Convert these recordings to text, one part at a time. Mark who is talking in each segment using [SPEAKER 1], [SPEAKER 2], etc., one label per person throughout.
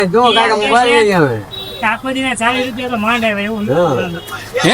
[SPEAKER 1] જો કાકા મોબાઈલ લઈ આવે
[SPEAKER 2] આખો દિને 40 રૂપિયા તો માંડ આવે એવું
[SPEAKER 3] હે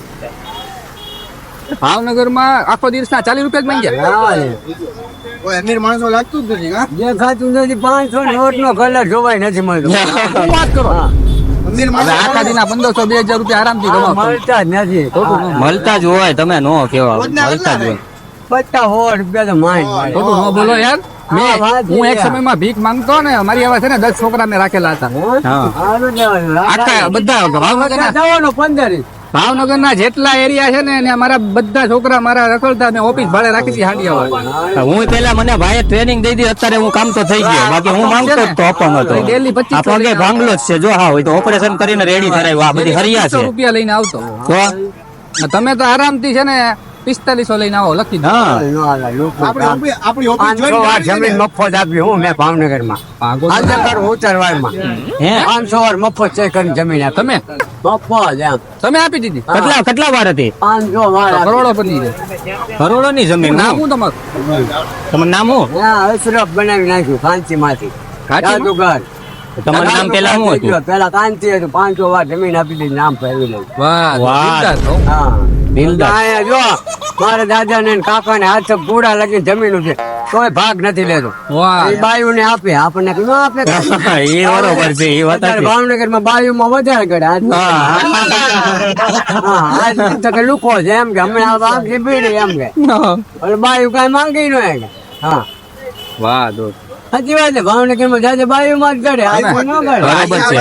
[SPEAKER 3] ભાવનગરમાં આખો દિવસના 40 રૂપિયા જ માંગ્યા.
[SPEAKER 1] કોઈ અમીર માણસો લાગતું જ નથી હા જે ખાતું નથી 500 નોટ નો કલર જોવાય નથી મળતો.
[SPEAKER 3] શું વાત કરો?
[SPEAKER 1] અમીર
[SPEAKER 3] હવે
[SPEAKER 1] માણસો
[SPEAKER 3] આખા દિના 1500 2000 રૂપિયા આરામથી કમાવો.
[SPEAKER 1] મળતા જ નથી
[SPEAKER 4] મળતા જ હોય, તમે નો કેવા મળતા જ હોય.
[SPEAKER 1] 50 રૂપિયા તો માંડ
[SPEAKER 3] ખોટું ન બોલો યાર.
[SPEAKER 1] હા, વાત
[SPEAKER 3] હું એક
[SPEAKER 1] છે.
[SPEAKER 3] સમયમાં ભીખ માંગતો ને, અમારી આવા છે ને 10 છોકરા મેં રાખેલા હતા.
[SPEAKER 4] હા.
[SPEAKER 3] આખા બધા ભાવનગરના
[SPEAKER 1] 15
[SPEAKER 3] ભાવનગરના જેટલા એરિયા છે ને એને મારા બધા છોકરા મારા રખડતા મેં ઓફિસ ભાડે રાખી હતી હાંડિયા.
[SPEAKER 4] હું પેલા મને ભાઈએ ટ્રેનિંગ દઈ દી, અત્યારે હું કામ તો થઈ ગયો, બાકી હું માંગતો જ તો અપંગ હતો.
[SPEAKER 3] ડેલી 25
[SPEAKER 4] આ પગે ભાંગલો જ છે, જો હા હોય તો ઓપરેશન કરીને રેડી કરાવ્યું. આ બધી હરિયા છે
[SPEAKER 3] રૂપિયા લઈને આવતો.
[SPEAKER 4] તો
[SPEAKER 3] તમે તો આરામથી છે ને 4500 લઈને આવો, લખી દો.
[SPEAKER 4] હા
[SPEAKER 1] જમીન મફત આપી હું મેં ભાવનગરમાં ઉત્તરવાડમાં
[SPEAKER 4] હે
[SPEAKER 1] 500 વાર મફત છે કરીને જમીન આપી
[SPEAKER 3] તમે
[SPEAKER 1] મફત એમ
[SPEAKER 3] તમે આપી દીધી.
[SPEAKER 4] કેટલા વાર હતી?
[SPEAKER 1] 500 વાર આપી.
[SPEAKER 3] કરોડોપતિ છે.
[SPEAKER 4] કરોડો ની જમીન.
[SPEAKER 3] નામ શું તમારું?
[SPEAKER 4] તમારું નામ શું?
[SPEAKER 1] હા, અશરફ બનાવી નાખ્યું કાંચીમાંથી જાદુગર.
[SPEAKER 4] તમારું નામ પેલા શું હતું?
[SPEAKER 1] પેલા કાંચી હતું 500 વાર જમીન આપી દીધી નામ ફેરવી લઈ
[SPEAKER 3] વાહ
[SPEAKER 4] વાહ.
[SPEAKER 3] દિલદાર છો.
[SPEAKER 1] હા
[SPEAKER 4] દિલદાર.
[SPEAKER 1] અહીંયા જો મારા દાદા ને કાકા ને હાથ પૂરા લગી જમીન છે તોય ભાગ નથી લેતો.
[SPEAKER 3] વાહ
[SPEAKER 1] એ બાયુ ને આપે આપણને ન આપે
[SPEAKER 4] એ બરોબર છે, એ વાત
[SPEAKER 1] અત્યારે
[SPEAKER 4] હતી.
[SPEAKER 1] ભાવનગર માં બાયુ માં વધારે કરે આજ તો કે લુકો છે એમ કે હમણાં આંખી પીડી એમ કે એટલે બાયુ કઈ માંગી ન કે હા
[SPEAKER 3] વાહ દોસ્ત.
[SPEAKER 1] સાચી વાત છે ભાવનગર માં જાજે બાયુ માં જ કરે આ કોઈ ન કરે
[SPEAKER 4] બરોબર છે.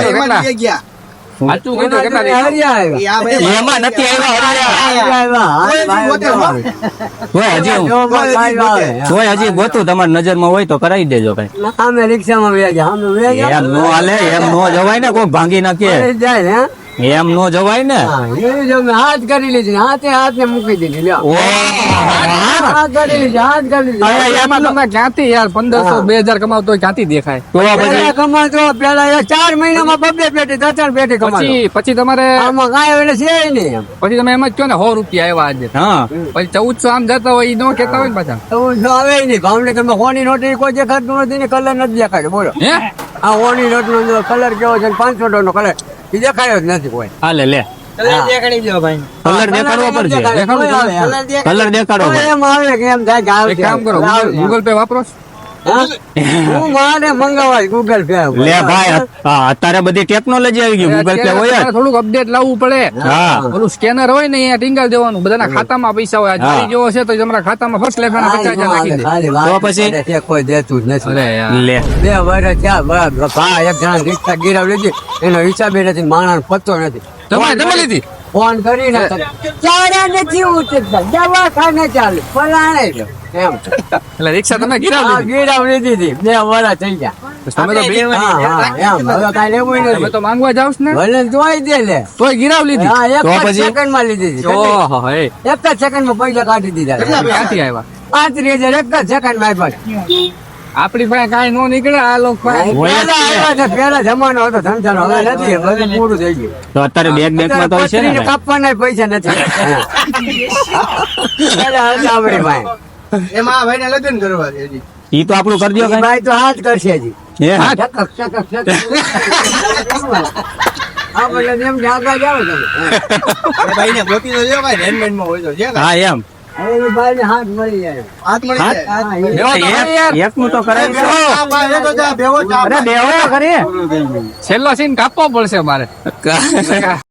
[SPEAKER 3] સાચું કીધું. કેટલા
[SPEAKER 1] હરિયા આવ્યા.
[SPEAKER 4] એમાં નથી આવ્યા.
[SPEAKER 1] હરિયા આવ્યા.
[SPEAKER 4] હોય હજી હોય હજી ગોતું તમારી નજરમાં હોય તો કરાવી દેજો કઈ.
[SPEAKER 1] અમે રિક્ષામાં વ્યા અમે વ્યા
[SPEAKER 4] એમ નો હાલે, એમ નો જવાય ને, કોઈ ભાંગી નાખે
[SPEAKER 1] જાય ને
[SPEAKER 4] એમ નો જવાય ને.
[SPEAKER 1] હા, એ જો મેં હાથ કરી લીધી હાથ ને મૂકી દીધી લ્યો
[SPEAKER 4] ઓ
[SPEAKER 1] હાથ કરી લીધી હાથ કરી લીધી
[SPEAKER 3] હવે એમાં તમે ક્યાંથી યાર 1500 2000 કમાવતો હોય ક્યાંથી દેખાય?
[SPEAKER 4] તો
[SPEAKER 1] પેલા
[SPEAKER 4] પછી
[SPEAKER 1] કમાતો પેલા 4 મહિનામાં 2 પેટી 3 પેટી કમાતો
[SPEAKER 3] પછી તમારે
[SPEAKER 1] આમાં કાંઈ એટલે છે નહીં એમ
[SPEAKER 3] પછી તમે એમ જ કહો ને 100 રૂપિયા આવ્યા આજે,
[SPEAKER 4] હા
[SPEAKER 3] પછી 1400 આમ જતા હોય ઈ નો કેતા હોય ને પાછા.
[SPEAKER 1] એવું જો આવે નહીં ભાવનગરમાં હોની નોટ કોઈ દેખાતું નથી ને કલર નથી દેખાતો બોલો
[SPEAKER 3] હે
[SPEAKER 1] આ હોની નોટ નો કલર કેવો છે 500 નો કલર એ દેખાયો જ નથી કોઈ
[SPEAKER 4] હાલે લે કલર દેખાડવો પડશે. કલર દેખાડવો પડશે.
[SPEAKER 1] એમ આવે કે એમ થાય કે
[SPEAKER 3] એક કામ કરો, ગૂગલ પે વાપરો છો?
[SPEAKER 1] હા? હું મારે મંગાવાય ગૂગલ પે
[SPEAKER 4] લે ભાઈ, હા, અત્યારે બધી ટેકનોલોજી આવી ગઈ, ગૂગલ પે હોય જ.
[SPEAKER 3] તમારે થોડુંક અપડેટ લાવવું પડે.
[SPEAKER 4] હા
[SPEAKER 3] ઓલું સ્કેનર હોય ને અહીંયા ટીંગાલ દેવાનું, બધાના ખાતામાં પૈસા હોય. આ મારી જેવો છે તો તમારા ખાતામાં ફર્સ્ટ લેખાના 50,000 નાખી દે.
[SPEAKER 4] તો પછી?
[SPEAKER 1] કોઈ દેતું જ નથી
[SPEAKER 3] અરે યાર.
[SPEAKER 4] લે
[SPEAKER 1] 2 વર્ષ થયા ભા એક જણા રિક્ષા ગીરાવ લીધી એનો હિસાબે નથી માણસ પત્તો નથી
[SPEAKER 3] તમે લીધી?
[SPEAKER 1] ફોન કરીને ચારા નથી ઉતરતા દવાખાને ચાલુ ફલાણે જો એમ
[SPEAKER 3] એટલે રિક્ષા તમે ગિરાવ
[SPEAKER 1] હા,
[SPEAKER 3] લીધી?
[SPEAKER 1] ગીરાવ લીધી હતી 2 વર્ષ થઈ ગયા
[SPEAKER 3] તમે તો બી-
[SPEAKER 1] હા હા એમ હવે કાંઈ લેવું
[SPEAKER 3] તમે
[SPEAKER 1] નથી
[SPEAKER 3] તો માંગવા જાવ છો ને
[SPEAKER 1] ભલે તોય દે લે
[SPEAKER 3] તોય ગિરાવ લીધી?
[SPEAKER 1] હા એક
[SPEAKER 4] તો
[SPEAKER 1] જ
[SPEAKER 4] પછી?
[SPEAKER 1] સેકન્ડ માં લીધી હતી
[SPEAKER 3] ઓહો હે.
[SPEAKER 1] એક જ સેકન્ડ માં પૈસા કાઢી દીધા
[SPEAKER 3] ક્યાંથી આવ્યા?
[SPEAKER 1] 35,000 એક જ સેકન્ડ માં આપ્યા
[SPEAKER 3] આપડી પાસે કાંઈ નો નીકળે આ લોકો પાસે.
[SPEAKER 4] હોય જ
[SPEAKER 1] પેલા
[SPEAKER 4] છે.
[SPEAKER 1] આવ્યા છે, પેલા જમાનો હતો ધંધાનો હવે નથી બધું પૂરું થઈ ગયું
[SPEAKER 4] તો અત્યારે બેંક માં તો છે ને
[SPEAKER 1] પથરીને કાપવાના પૈસા નથી પેલા હતા આપણી પાસે.
[SPEAKER 5] એમાં ભાઈ ને લગ્ન કરવા છે હજી.
[SPEAKER 4] ઈ તો આપણું કરી દો
[SPEAKER 1] એ ભાઈ તો હાથ કરશે હજી
[SPEAKER 4] હે
[SPEAKER 1] ચકક, ચકક, ચકક. આપણે એમ કે આગળ જાઓ તમે
[SPEAKER 5] એ ભાઈ ને ગોતી તો જો ભાઈ રેનમેન્ટ માં હોય તો છે
[SPEAKER 4] હા એમ
[SPEAKER 1] હવે એ ભાઈને હાથ મળી જાય
[SPEAKER 5] હાથ મળી
[SPEAKER 4] હાથ?
[SPEAKER 5] જાય
[SPEAKER 1] હા, એ
[SPEAKER 3] બેહો તો ખરી યાર.
[SPEAKER 4] એક નું તો કરાવી દો.
[SPEAKER 5] આ ભાઈ એ તો જા ભેગો ચા
[SPEAKER 4] અરે બેહો તો ખરી.
[SPEAKER 3] છેલ્લો સીન કાપવો પડશે મારે.